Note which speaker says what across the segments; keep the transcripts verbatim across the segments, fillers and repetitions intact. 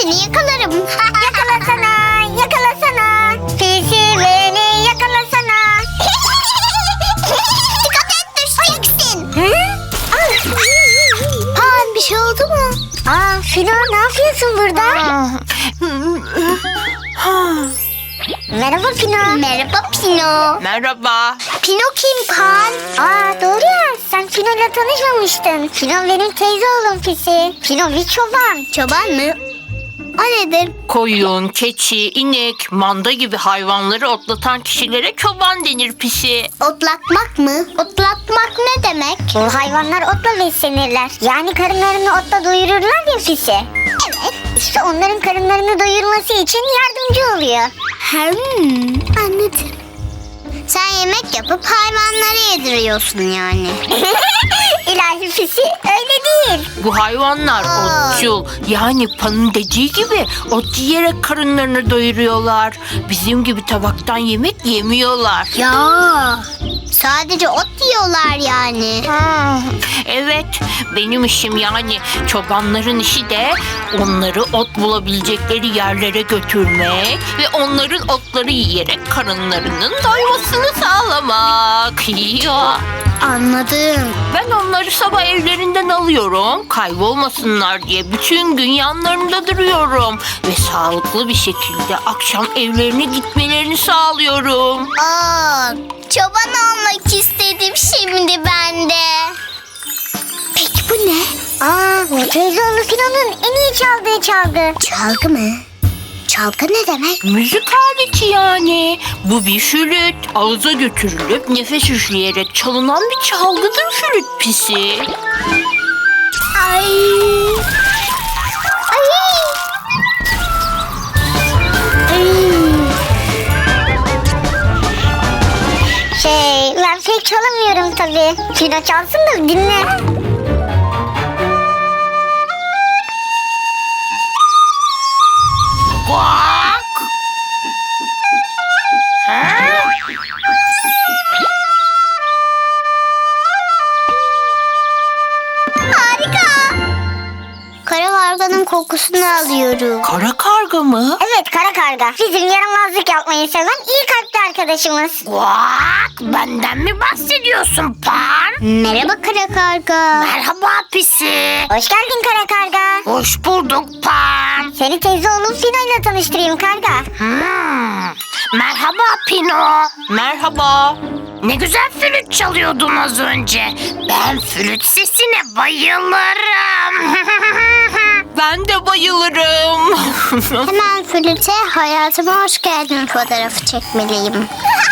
Speaker 1: seni yakalarım.
Speaker 2: Yakalasana, yakalasana. Pisi beni yakalasana.
Speaker 1: Dikkat et, düşeceksin.
Speaker 2: Hı?
Speaker 1: Pan, bir şey oldu mu?
Speaker 2: Aa, Fino ne yapıyorsun burada? Merhaba Fino.
Speaker 1: Merhaba Pino.
Speaker 3: Merhaba.
Speaker 1: Pino kim Pan?
Speaker 2: Aa, doğru ya, sen Fino'yla tanışmamıştın. Fino benim teyze oğlum Pisi. Fino bir çoban.
Speaker 1: Çoban mı? O nedir?
Speaker 3: Koyun, keçi, inek, manda gibi hayvanları otlatan kişilere çoban denir pisi.
Speaker 1: Otlatmak mı? Otlatmak ne demek?
Speaker 2: Bu hayvanlar otla beslenirler. Yani karınlarını otla doyururlar ya Pisi.
Speaker 1: Evet.
Speaker 2: İşte onların karınlarını doyurması için yardımcı oluyor.
Speaker 1: Hmm, anladım. Sen yemek yapıp hayvanlara yediriyorsun yani.
Speaker 2: İlahi Pisi, öyle değil.
Speaker 3: Bu hayvanlar
Speaker 1: Aa.
Speaker 3: otçul. Yani Pan'ın dediği gibi ot yiyerek karınlarını doyuruyorlar. Bizim gibi tabaktan yemek yemiyorlar.
Speaker 1: Ya. Sadece ot yiyorlar yani.
Speaker 3: Evet, benim işim yani çobanların işi de onları ot bulabilecekleri yerlere götürmek ve onların otları yiyerek karınlarının doymasını sağlamak. Ya.
Speaker 1: Anladım.
Speaker 3: Ben onları sabah evlerinden alıyorum, kaybolmasınlar diye bütün gün yanlarında duruyorum ve sağlıklı bir şekilde akşam evlerine gitmelerini sağlıyorum.
Speaker 1: Aa, çoban olmak istedim şimdi ben de. Peki bu ne?
Speaker 2: Aa, bu teyze oğlu Fino'nun en iyi çaldığı çalgı.
Speaker 1: Çalgı mı? Çalgı ne demek?
Speaker 3: Müzik aleti yani. Bu bir flüt. Ağza götürülüp nefes üfleyerek çalınan bir çalgıdır flüt pisi.
Speaker 1: Ay. Ay.
Speaker 2: Şey, ben pek çalamıyorum tabii. Fino çalsın da dinle.
Speaker 3: Bak.
Speaker 1: Harika. Kara karganın kokusunu alıyorum.
Speaker 3: Kara karga mı?
Speaker 2: Evet, kara karga. Bizim yaramazlık yapmayı seven iyi kalpli arkadaşımız.
Speaker 3: Bak, benden mi bahsediyorsun Pan?
Speaker 1: Merhaba kara karga.
Speaker 3: Merhaba pisi.
Speaker 2: Hoş geldin kara karga.
Speaker 3: Hoş bulduk Pan.
Speaker 2: Seni teyze oğlum Fino'yla tanıştırayım karga.
Speaker 3: Hmm. Merhaba Pino. Merhaba. Ne güzel flüt çalıyordun az önce. Ben flüt sesine bayılırım. Ben de bayılırım.
Speaker 1: Hemen flüte hayatıma hoş geldin fotoğrafı çekmeliyim.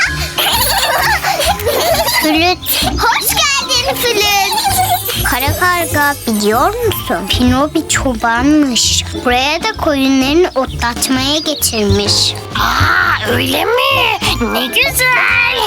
Speaker 1: Flüt. Hoş geldin flüt. Kara karga, biliyor musun? Pino bir çobanmış. Buraya da koyunlarını otlatmaya getirmiş.
Speaker 3: Aa, öyle mi? Ne güzel.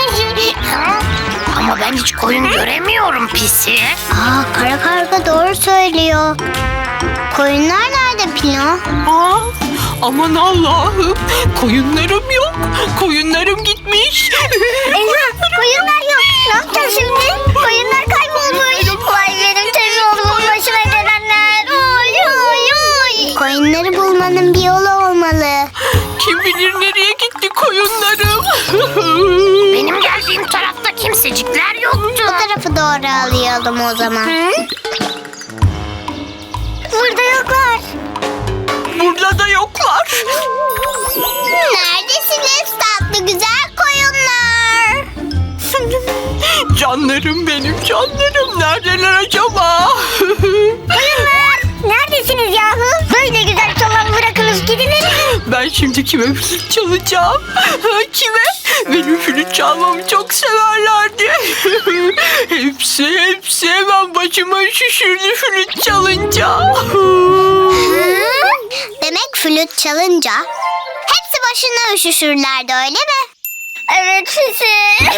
Speaker 3: Ama ben hiç koyun göremiyorum pisi.
Speaker 1: Aa, kara karga doğru söylüyor. Koyunlar nerede Pino?
Speaker 3: Aa, aman Allah'ım. Koyunlarım yok. Koyunlarım gitmiş.
Speaker 2: Eyvah, koyunlar yok. Ne yapacağız şimdi? Koyunlar kaybolmuş. Vay benim teyze oğlumun başına gelenler. Oy oy oy.
Speaker 1: Koyunları bulmanın bir yolu olmalı.
Speaker 3: Kim bilir nereye gitti koyunlarım. Benim geldiğim tarafta kimsecikler yoktu.
Speaker 1: Bu tarafı doğru alayalım o zaman.
Speaker 2: Burada yoklar.
Speaker 3: Burada da yoklar.
Speaker 1: Neredesiniz tatlı güzel koyunlar?
Speaker 3: Canlarım benim canlarım. Neredeler acaba?
Speaker 2: Koyunlar, neredesiniz yahu? Böyle güzel çalan bırakınız gidilir.
Speaker 3: Ben şimdi kime flüt çalacağım? Kime? Benim flüt çalmamı çok severlerdi. Hepsi hepsi hemen başıma şişirdi flüt çalınca.
Speaker 1: Demek flüt çalınca hepsi başına üşüşürlerdi öyle mi?
Speaker 2: Evet Pisi.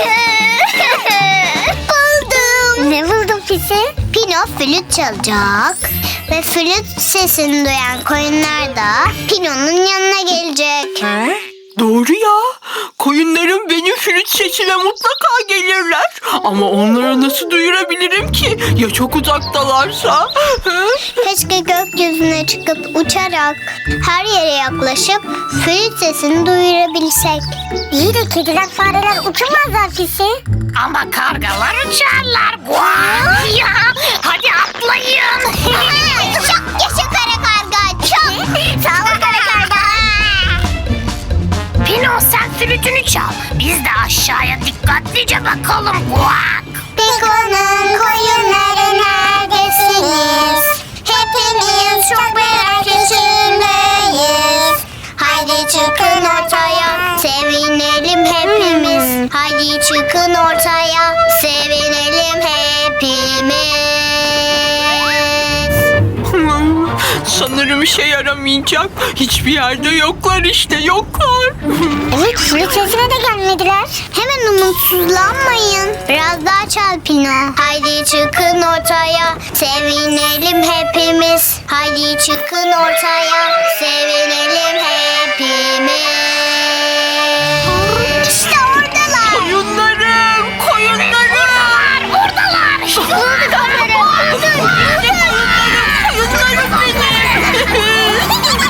Speaker 1: Buldum.
Speaker 2: Ne buldun Pisi?
Speaker 1: Pino flüt çalacak ve flüt sesini duyan koyunlar da Pino'nun yanına gelecek.
Speaker 3: Doğru ya. Koyunlarım benim flüt flüt sesine mutlaka gelirler. Ama onlara nasıl duyurabilirim ki? Ya çok uzaktalarsa? Hı?
Speaker 1: Keşke gökyüzüne çıkıp uçarak her yere yaklaşıp flüt sesini duyurabilsek.
Speaker 2: İyi de kediler fareler uçamazlar Fisi.
Speaker 4: Ama kargalar uçarlar. Guak ya. Hadi atlayın.
Speaker 1: Çok yaşa kara karga, çok.
Speaker 2: Sağ ol kara karga.
Speaker 4: Pino sen flütünü çal. Biz de aşağıya dikkatlice bakalım. Guak.
Speaker 1: Piko'nun koyunları neredesiniz? Hepimiz çok merak içindeyiz. Haydi çıkın ortaya, sevinelim hepimiz. Haydi çıkın ortaya, sevinelim hepimiz.
Speaker 3: Hmm, sanırım işe yaramayacak. Hiçbir yerde yoklar işte, yoklar.
Speaker 2: Evet flüt sesine de gelmediler.
Speaker 1: Hemen umutsuzlanmayın. Biraz daha çal Pino. Haydi çıkın ortaya, sevinelim hepimiz. Haydi çıkın ortaya, sevinelim hepimiz. İşte oradalar.
Speaker 3: Koyunlarım, koyunlarım.
Speaker 4: Buradalar.
Speaker 1: Bulduk onları. Bulduk.
Speaker 3: Koyunlarım benim.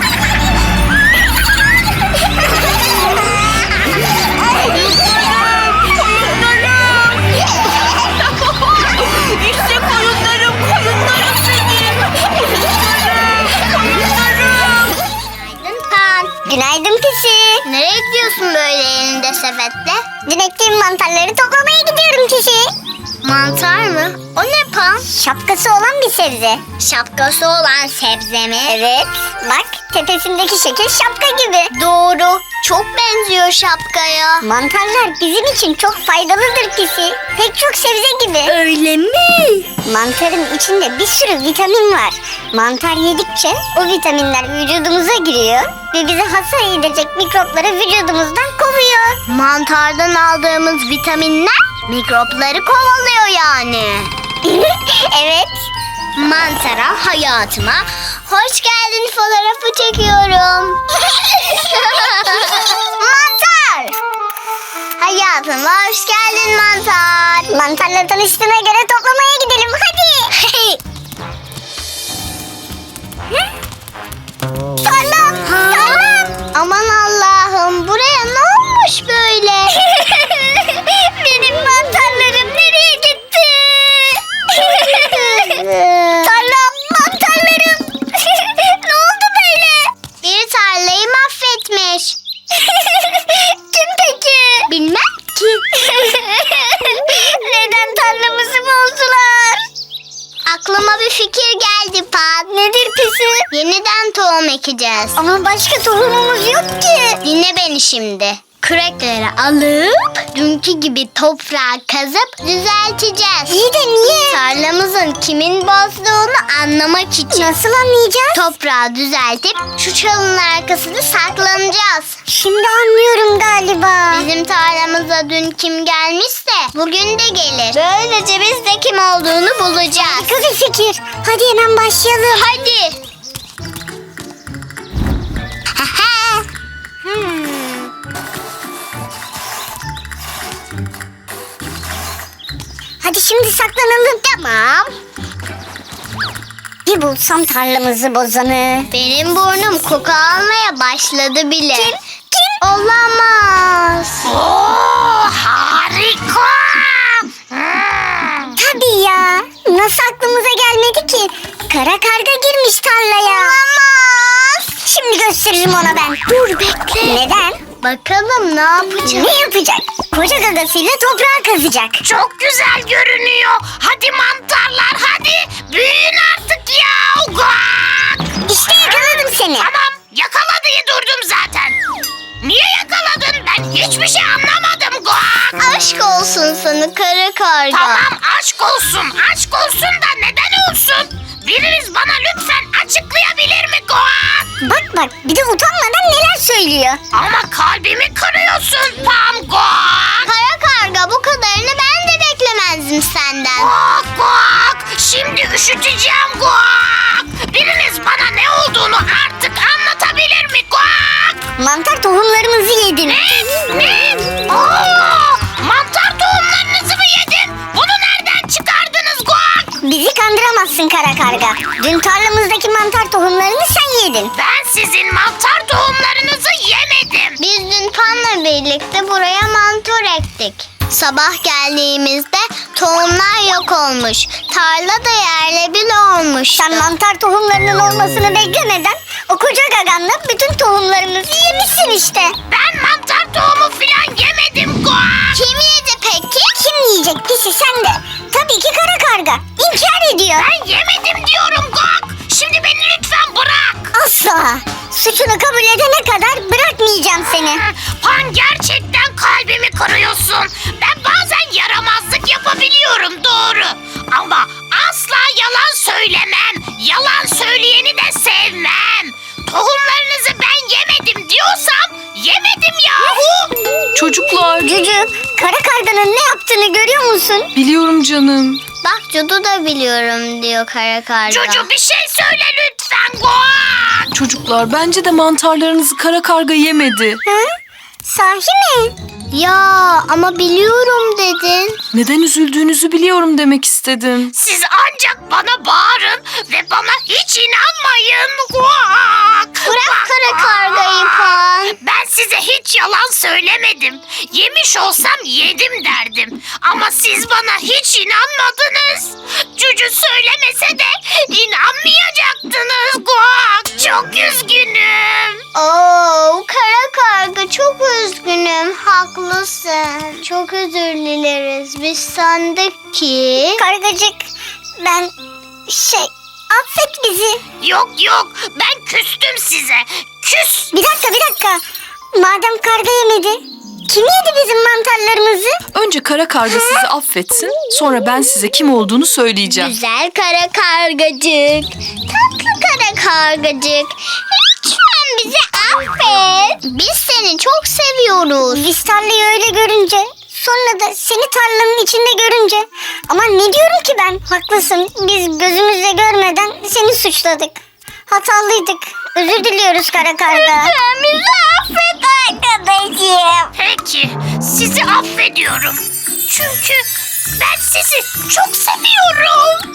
Speaker 3: İşte koyunlarım, koyunlarım benim. Koyunlarım, koyunlarım.
Speaker 1: Günaydın Pan.
Speaker 2: Günaydın Pisi.
Speaker 1: Nereye gidiyorsun böyle elinde sepetle?
Speaker 2: Dün ektiğim mantarları toplamaya gidiyorum Pisi.
Speaker 1: Mantar mı? O ne Pan?
Speaker 2: Şapkası olan bir sebze.
Speaker 1: Şapkası olan sebze mi?
Speaker 2: Evet. Bak tepesindeki şekil şapka gibi.
Speaker 1: Doğru. Çok benziyor şapkaya.
Speaker 2: Mantarlar bizim için çok faydalıdır Pisi. Pek çok sebze gibi.
Speaker 1: Öyle mi?
Speaker 2: Mantarın içinde bir sürü vitamin var. Mantar yedikçe o vitaminler vücudumuza giriyor ve bize hasar edecek mikropları vücudumuzdan kovuyor.
Speaker 1: Mantardan aldığımız vitaminler mikropları kovalıyor yani.
Speaker 2: Evet.
Speaker 1: Mantara hayatıma hoş geldin fotoğrafı çekiyorum. Mantar! Hayatıma hoş geldin mantar.
Speaker 2: Mantarla tanıştığına göre toplamaya gidelim hadi.
Speaker 1: Tarlam! Tarlam! Aman Allah'ım buraya ne olmuş böyle?
Speaker 2: Benim mantarlarım nereye gitti? Tarlam, mantarlarım. Ne oldu böyle?
Speaker 1: Bir tarlayı mahvetmiş.
Speaker 2: Kim peki?
Speaker 1: Bilmem ki.
Speaker 2: Neden tarlamızı bozdular?
Speaker 1: Aklıma bir fikir geldi Pat.
Speaker 2: Nedir Pisi?
Speaker 1: Yeniden tohum ekeceğiz.
Speaker 2: Ama başka tohumumuz yok ki.
Speaker 1: Dinle beni şimdi. Kürekleri alıp dünkü gibi toprağı kazıp düzelteceğiz.
Speaker 2: İyi de niye?
Speaker 1: Tarlamızın kimin bozduğunu anlamak için.
Speaker 2: Nasıl anlayacağız?
Speaker 1: Toprağı düzeltip şu çalının arkasında saklanacağız.
Speaker 2: Şimdi anlıyorum galiba.
Speaker 1: Bizim tarlamıza dün kim gelmişse bugün de gelir. Böylece biz de kim olduğunu bulacağız.
Speaker 2: Harika bir fikir. Hadi hemen başlayalım.
Speaker 1: Hadi.
Speaker 2: Hmm. Hadi şimdi saklanalım.
Speaker 1: Tamam.
Speaker 2: Bir bulsam tarlamızı bozanı.
Speaker 1: Benim burnum koku almaya başladı bile.
Speaker 2: Kim? Kim?
Speaker 1: Olamaz.
Speaker 4: Oo, harika. Hmm.
Speaker 2: Tabii ya. Nasıl aklımıza gelmedi ki? Kara karga girmiş tarlaya.
Speaker 1: Olamaz.
Speaker 2: Şimdi gösteririm ona ben.
Speaker 1: Dur bekle.
Speaker 2: Neden?
Speaker 1: Bakalım ne yapacak?
Speaker 2: Ne yapacak? Koca gagasıyla toprağı kazacak.
Speaker 4: Çok güzel görünüyor. Hadi mantarlar hadi. Büyüyün artık ya. Guak.
Speaker 2: İşte yakaladım seni.
Speaker 4: Tamam yakala diye durdum zaten. Niye yakaladın? Ben hiçbir şey anlamadım. Guak.
Speaker 1: Aşk olsun sana kara karga.
Speaker 4: Tamam aşk olsun. Aşk olsun da neden olsun? Biriniz bana lütfen açıklayabilir mi Guak?
Speaker 2: Bak bak bir de utanmadan neler söylüyor.
Speaker 4: Ama kalbimi kırıyorsun Pam Guak.
Speaker 1: Kara karga bu kadarını ben de beklemezdim senden.
Speaker 4: Guak guak. Şimdi üşüteceğim guak. Biriniz bana ne olduğunu artık anlatabilir mi guak?
Speaker 2: Mantar tohumlarımızı yedin.
Speaker 4: Ne? Ne? Aa,
Speaker 2: haklısın kara karga. Dün tarlamızdaki mantar tohumlarını sen yedin.
Speaker 4: Ben sizin mantar tohumlarınızı yemedim.
Speaker 1: Biz dün Pan'la birlikte buraya mantar ektik. Sabah geldiğimizde tohumlar yok olmuş. Tarla da yerle bir olmuş.
Speaker 2: Sen mantar tohumlarının olmasını beklemeden o koca gaganla bütün tohumlarımızı yemişsin işte.
Speaker 4: Ben mantar tohumu filan yemedim Guak.
Speaker 1: Kim yedi peki?
Speaker 2: Kim yiyecek pisi sen de? Tabii ki kara karga. İnkar ediyor.
Speaker 4: Ben yemedim diyorum Guak. Şimdi beni lütfen bırak.
Speaker 2: Asla. Suçunu kabul edene kadar bırakmayacağım seni.
Speaker 4: Pan gerçekten kalbimi kırıyorsun. Ben bazen yaramazlık yapabiliyorum doğru. Ama asla yalan söylemem. Yalan söyleyeni de sevmem. Tohumlarınızı ben yemedim diyorsam yemedim yahu.
Speaker 3: Çocuklar,
Speaker 2: Cücü, kara karganın ne yaptığını görüyor musun?
Speaker 3: biliyorum canım.
Speaker 1: Bak Cudu da biliyorum diyor kara karga.
Speaker 4: Çocuğum bir şey söyle lütfen Guak.
Speaker 3: Çocuklar, bence de mantarlarınızı kara karga yemedi.
Speaker 2: Hı? Sahi mi?
Speaker 1: Ya ama biliyorum dedin.
Speaker 3: Neden üzüldüğünüzü biliyorum demek istedim.
Speaker 4: Siz ancak bana bağırın ve bana hiç inanmayın. Guak.
Speaker 1: Bırak kara kargayı Pan.
Speaker 4: Ben size hiç yalan söylemedim. Yemiş olsam yedim derdim. Ama siz bana hiç inanmadınız. Cücü söylemese de inanmayacaktınız. Guak, çok üzgünüm.
Speaker 1: Oo, kara karga çok üzgünüm. Haklısın. Çok özür dileriz. Biz sandık ki...
Speaker 2: Kargacık, ben şey, affet bizi.
Speaker 4: Yok yok, ben küstüm size. Küs.
Speaker 2: Bir dakika, bir dakika. Madem karga yemedi, kim yedi bizim mantarlarımızı?
Speaker 3: Önce kara karga sizi affetsin, sonra ben size kim olduğunu söyleyeceğim.
Speaker 1: Güzel kara kargacık. Tatlı kara kargacık. Lütfen bizi affet. Biz seni çok seviyoruz.
Speaker 2: Biz tarlayı öyle görünce, sonra da seni tarlanın içinde görünce. Ama ne diyorum ki ben? Haklısın, biz gözümüzle görmeden seni suçladık. Hatalıydık. Özür diliyoruz kara karga.
Speaker 1: Lütfen bizi affet arkadaşım.
Speaker 4: Peki, sizi affediyorum. Çünkü ben sizi çok seviyorum.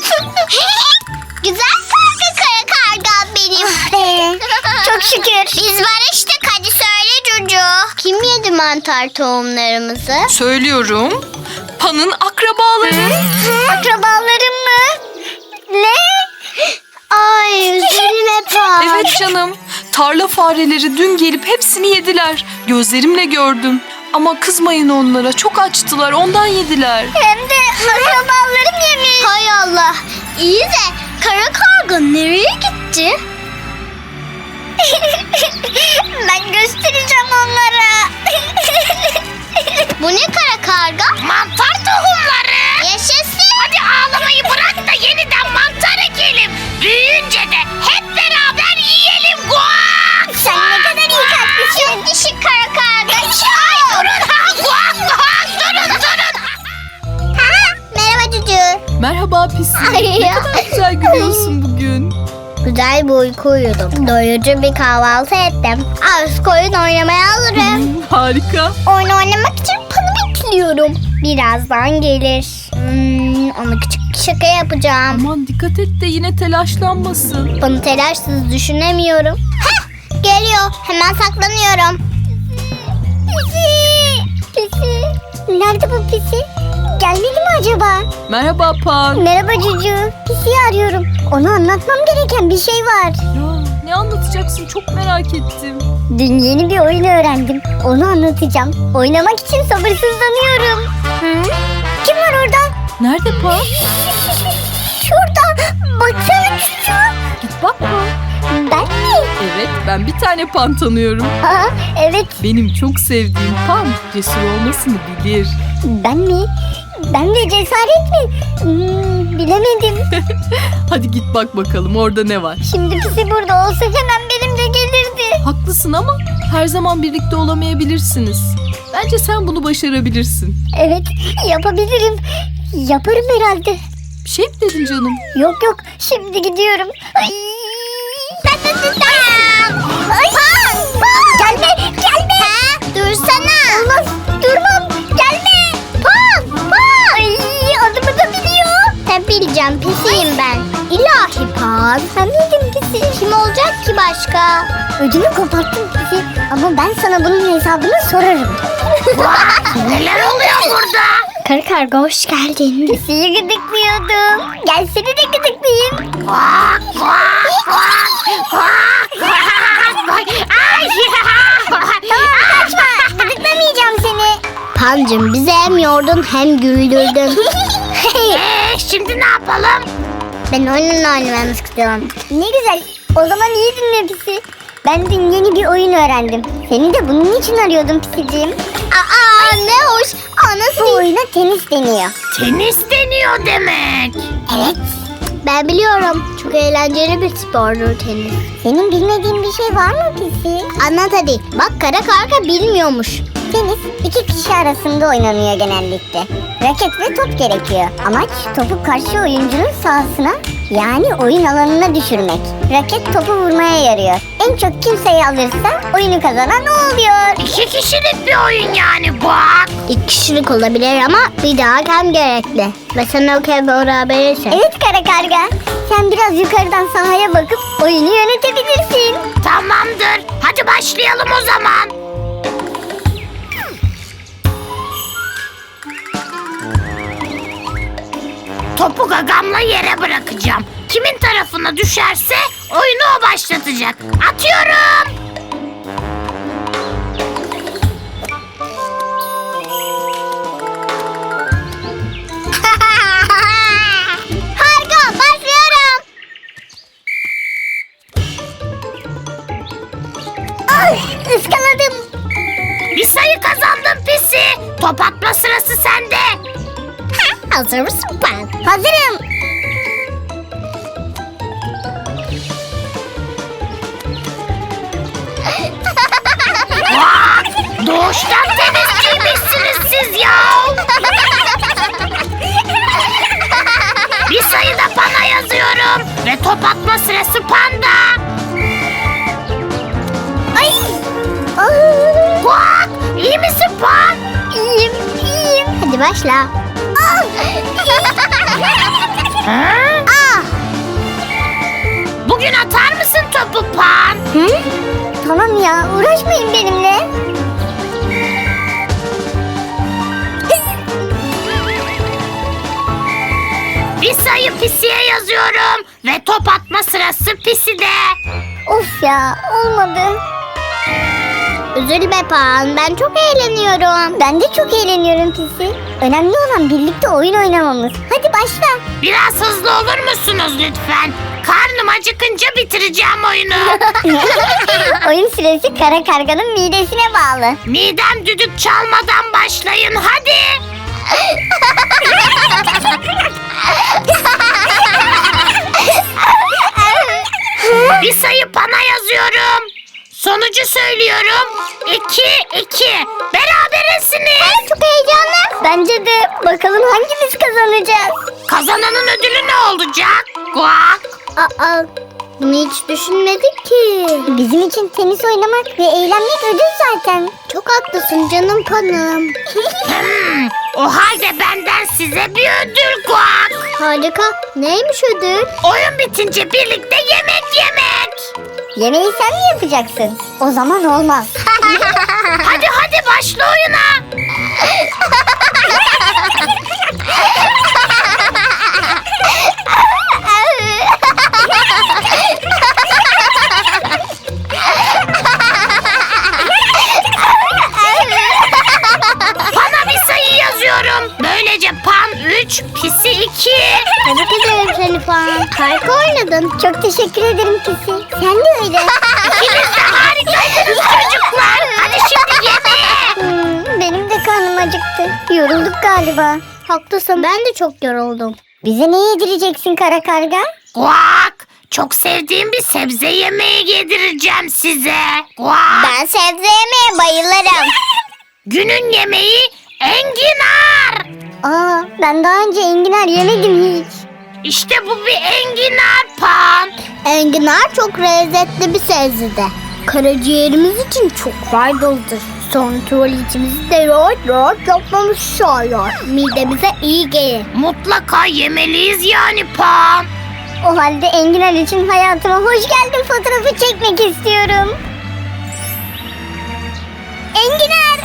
Speaker 1: Güzel karga kara karga benim.
Speaker 2: Ee, çok şükür.
Speaker 1: Biz barıştık, hadi söyle Cucu. Kim yedi mantar tohumlarımızı?
Speaker 3: Söylüyorum. Pan'ın akrabaları.
Speaker 2: Akrabalarım mı? Ne?
Speaker 1: Ay üzülme Pan.
Speaker 3: Evet canım. Tarla fareleri dün gelip hepsini yediler. Gözlerimle gördüm. Ama kızmayın onlara. Çok açtılar. Ondan yediler.
Speaker 2: Hem de akrabalarım yemiş.
Speaker 1: Hay Allah. İyi de kara karga nereye gitti?
Speaker 2: Ben göstereceğim onlara.
Speaker 1: Bu ne kara karga?
Speaker 4: Mantar tohumları.
Speaker 1: Yaşasın.
Speaker 4: Hadi ağlamayı bırak da yeniden mantar ekelim. Büyüyünce de hep beraber yiyelim. Guak.
Speaker 2: Sen ne kadar iyi kalplisin.
Speaker 1: Çok dişi kara karga.
Speaker 4: Ay durun ha. Guak guak durun durun.
Speaker 1: Ha, merhaba Cucu.
Speaker 3: Merhaba Pisi.
Speaker 1: Ay
Speaker 3: Ne
Speaker 1: ya.
Speaker 3: kadar güzel gülüyorsun bugün.
Speaker 1: Güzel bir uyku uyudum. Doyurucu bir kahvaltı ettim. Az koyun oynamaya hazırım.
Speaker 3: Harika.
Speaker 1: Oyun oynamak için Pan'ı bekliyorum. Birazdan gelir. Hmm, ona küçük bir şaka yapacağım.
Speaker 3: Aman dikkat et de yine telaşlanmasın.
Speaker 1: Pan'ı telaşsız düşünemiyorum. Heh, geliyor. Hemen saklanıyorum.
Speaker 2: Pisi. Pisi. Nerede bu pisi? Gelmedi mi acaba?
Speaker 3: Merhaba Pan.
Speaker 2: Merhaba Cucu. Pisi'yi arıyorum. Ona anlatmam gereken bir şey var.
Speaker 3: Ya ne anlatacaksın çok merak ettim.
Speaker 2: Dün yeni bir oyun öğrendim. Onu anlatacağım. Oynamak için sabırsızlanıyorum. Hı? Kim var orada?
Speaker 3: Nerede Pan?
Speaker 2: Şurada. Baksana Cucu.
Speaker 3: Git bak Pan.
Speaker 2: Ben mi?
Speaker 3: Evet ben bir tane Pan tanıyorum.
Speaker 2: Aa, evet.
Speaker 3: Benim çok sevdiğim Pan cesur olmasını bilir.
Speaker 2: Ben mi? Ben de cesaret mi? Hmm, bilemedim.
Speaker 3: Hadi git bak bakalım orada ne var.
Speaker 2: Şimdi Pisi burada olsa hemen benimle gelirdi.
Speaker 3: Haklısın ama her zaman birlikte olamayabilirsiniz. Bence sen bunu başarabilirsin.
Speaker 2: Evet, yapabilirim. Yaparım herhalde.
Speaker 3: Bir şey mi dedin canım?
Speaker 2: Yok yok, şimdi gidiyorum. Ay. Ay. Gelme, gelme.
Speaker 1: Ha, dursana.
Speaker 2: Olmaz, durmam. Gelme. Pan, pan. Ay, adımı da biliyor.
Speaker 1: Tabii bileceğim. Pisiyim ben. İlla
Speaker 2: Aa, sen miydin Pisi?
Speaker 1: Kim olacak ki başka?
Speaker 2: Ödümü koparttın Pisi. Ama ben sana bunun hesabını sorarım.
Speaker 4: Vay, neler oluyor burada?
Speaker 1: Kara karga hoş geldin.
Speaker 2: Pisi'yi gıdıklıyordum. Gel seni de gıdıklayayım.
Speaker 4: Kuak kuak kuak kuak kuak. Ay.
Speaker 2: Kaçma. Gıdıklamayacağım seni.
Speaker 1: Pancım bizi hem yordun hem güldürdün.
Speaker 4: Ee, şimdi ne yapalım?
Speaker 1: Ben oyunla oynamak istiyorum.
Speaker 2: Ne güzel. O zaman iyi dinle Pisi. Ben dün yeni bir oyun öğrendim. Seni de bunun için arıyordum Pisiciğim.
Speaker 1: Aa ne hoş. Aa, nasıl?
Speaker 2: Bu oyuna tenis deniyor.
Speaker 4: Tenis deniyor demek.
Speaker 2: Evet.
Speaker 1: Ben biliyorum. Çok eğlenceli bir spordur tenis.
Speaker 2: Senin bilmediğin bir şey var mı Pisi?
Speaker 1: Anlat hadi. Bak kara karga bilmiyormuş.
Speaker 2: Tenis iki kişi arasında oynanıyor genellikle. Raket ve top gerekiyor. Amaç topu karşı oyuncunun sahasına yani oyun alanına düşürmek. Raket topu vurmaya yarıyor. En çok kim sayı alırsa oyunu kazanan o oluyor.
Speaker 4: İki kişilik bir oyun yani bak.
Speaker 1: İki kişilik olabilir ama bir daha hakem gerekli. Ve sen o kez berabersin.
Speaker 2: Evet kara karga. Sen biraz yukarıdan sahaya bakıp oyunu yönetebilirsin.
Speaker 4: Tamamdır. Hadi başlayalım o zaman. Topu gagamla yere bırakacağım. Kimin tarafına düşerse oyunu o başlatacak. Atıyorum.
Speaker 1: Harika başlıyorum.
Speaker 2: Ay ıskaladım.
Speaker 4: Bir sayı kazandın Pisi. Top atma sırası sende.
Speaker 1: Hazır mısın ben?
Speaker 2: Hazırım.
Speaker 4: Vay! Doğuştan tenisçiymişsiniz siz ya. Bir sayı da Pan'a yazıyorum. Ve top atma sırası Pan'da.
Speaker 2: Ay. Aa,
Speaker 4: Kuak! İyi misin Pan?
Speaker 2: iyiyim, iyiyim.
Speaker 1: Hadi başla.
Speaker 4: Ha?
Speaker 1: Ah.
Speaker 4: Bugün atar mısın topu Pan?
Speaker 2: Hı? Tamam ya, uğraşmayın benimle.
Speaker 4: Bir sayı Pisi'ye yazıyorum. Ve top atma sırası Pisi'de.
Speaker 2: Of ya, olmadı.
Speaker 1: Üzülme Pan. Ben çok eğleniyorum.
Speaker 2: Ben de çok eğleniyorum Pisi. Önemli olan birlikte oyun oynamamız. Hadi başla.
Speaker 4: Biraz hızlı olur musunuz lütfen? Karnım acıkınca bitireceğim oyunu.
Speaker 2: Oyun süresi kara karganın midesine bağlı.
Speaker 4: Midem düdük çalmadan başlayın hadi. Bir sayı Pan'a yazıyorum. Sonucu söylüyorum. İki, iki. Berabersiniz.
Speaker 2: Çok heyecanlı. Bence de. Bakalım hangimiz kazanacağız?
Speaker 4: Kazananın ödülü ne olacak? Guak.
Speaker 1: Aa, bunu hiç düşünmedik ki.
Speaker 2: Bizim için tenis oynamak ve eğlenmek ödül zaten.
Speaker 1: Çok haklısın canım Pan'ım.
Speaker 4: Hmm, o halde benden size bir ödül Guak.
Speaker 1: Harika. Neymiş ödül?
Speaker 4: Oyun bitince birlikte yemek yemek.
Speaker 2: Yemeği sen mi yapacaksın? O zaman olmaz.
Speaker 4: Hadi hadi başla oyuna. Pan'a bir sayı yazıyorum. Böylece Pan üç, Pisi iki.
Speaker 1: Tebrik ederim seni Pan. Harika oynadın.
Speaker 2: Çok teşekkür ederim Pisi. Sen de öyle.
Speaker 4: İkiniz de harikaydınız çocuklar. Hadi şimdi yemeğe.
Speaker 2: Hmm, benim de karnım acıktı. Yorulduk galiba.
Speaker 1: Haklısın. Ben de çok yoruldum.
Speaker 2: Bize ne yedireceksin kara karga?
Speaker 4: Guak. Çok sevdiğim bir sebze yemeği yedireceğim size. Guak.
Speaker 1: Ben sebze yemeye bayılırım.
Speaker 4: Günün yemeği enginar.
Speaker 2: Aa, ben daha önce enginar yemedim hiç.
Speaker 4: İşte bu bir enginar Pan.
Speaker 1: Enginar çok lezzetli bir sebze. Karaciğerimiz için çok faydalıdır. Sonra tuvaletimizi de rahat rahat yapmamız sağlar. Midemize iyi gelir.
Speaker 4: Mutlaka yemeliyiz yani Pan.
Speaker 2: O halde Enginar için hayatıma hoş geldin fotoğrafı çekmek istiyorum. Enginar!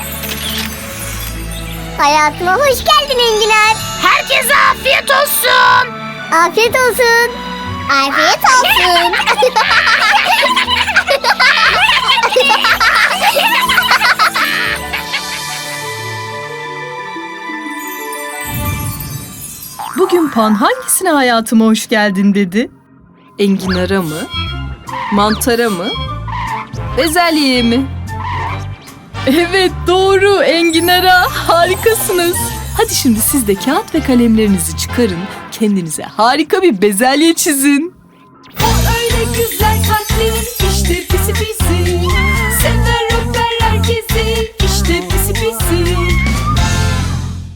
Speaker 2: Hayatıma hoş geldin Enginar.
Speaker 4: Herkese afiyet olsun.
Speaker 2: Afiyet olsun.
Speaker 1: Afiyet olsun.
Speaker 5: Bugün Pan hangisine hayatıma hoş geldin dedi? Enginara mı? Mantara mı? Bezelyeye mi? Evet doğru enginara, harikasınız. Hadi şimdi siz de kağıt ve kalemlerinizi çıkarın. Kendinize harika bir bezelye çizin.